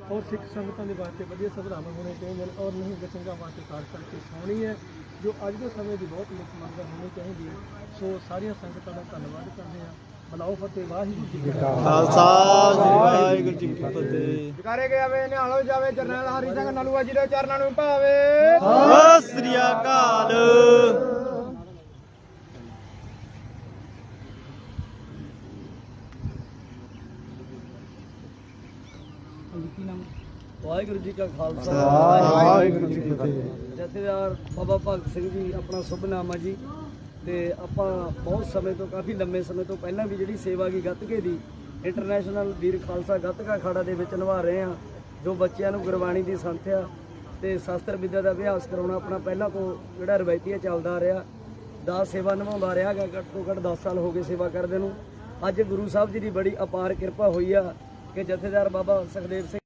और सिख संगतां दे वास्ते वधिया सुविधावां होने चाहिए और नहीं संघां वास्ते खास करके सोहनी है जो अज के समय की बहुत मुख्य मंग होनी चाहिए है। सो सारिया संगतां दा धन्नवाद करते हैं। बुलाओ फतेह वाहिगुरू जी का खालसा वाहिगुरू जी की फतेह। ਜਕਾਰੇ ਗਿਆ ਵੇ ਨਿਹਾਲੋ ਜਾਵੇ ਜਰਨੈਲ ਹਰੀ ਸਿੰਘ ਨਲੂਆ ਜੀ ਦੇ ਚਰਨਾਂ ਨੂੰ ਭਾਵੇ। ਸਤਿ ਸ੍ਰੀ ਅਕਾਲ। ਵਾਹਿਗੁਰੂ ਜੀ ਕਾ ਖਾਲਸਾ ਵਾਹਿਗੁਰੂ ਜੀ ਕੀ ਫਤਿਹ। ਜਥੇਦਾਰ ਬਾਬਾ ਭਗਤ ਸਿੰਘ ਜੀ ਆਪਣਾ ਸ਼ੁਭ ਨਾਮ ਆ ਜੀ। ਤੇ ਆਪਾਂ ਬਹੁਤ ਸਮੇਂ ਤੋਂ ਕਾਫੀ ਲੰਮੇ ਸਮੇਂ ਤੋਂ ਪਹਿਲਾਂ ਵੀ ਜਿਹੜੀ ਸੇਵਾ ਕੀ ਗੱਤਕੇ ਦੀ ਇੰਟਰਨੈਸ਼ਨਲ ਵੀਰ ਖਾਲਸਾ ਗੱਤਕਾ ਅਖਾੜਾ ਦੇ ਵਿੱਚ ਨਿਭਾ ਰਹੇ ਆ। ਜੋ ਬੱਚਿਆਂ ਨੂੰ ਗੁਰਬਾਣੀ ਦੀ ਸੰਥਿਆ ਤੇ ਸ਼ਾਸਤਰ ਵਿਦਿਆ ਦਾ ਅਭਿਆਸ ਕਰਾਉਣਾ ਆਪਣਾ ਪਹਿਲਾਂ ਤੋਂ ਜਿਹੜਾ ਰਵਾਇਤੀ ਚੱਲਦਾ ਆ ਰਿਹਾ। ਦਾਸ ਸੇਵਾ ਨਿਭਾਉਂਦਾ ਰਿਹਾ ਗਾ। ਘੱਟ ਤੋਂ ਘੱਟ 10 ਸਾਲ ਹੋ ਗਏ ਸੇਵਾ ਕਰਦੇ ਨੂੰ। ਅੱਜ ਗੁਰੂ ਸਾਹਿਬ ਜੀ ਦੀ ਬੜੀ ਅਪਾਰ ਕਿਰਪਾ ਹੋਈ ਆ ਕਿ ਜਥੇਦਾਰ ਬਾਬਾ ਸੁਖਦੇਵ ਸਿੰਘ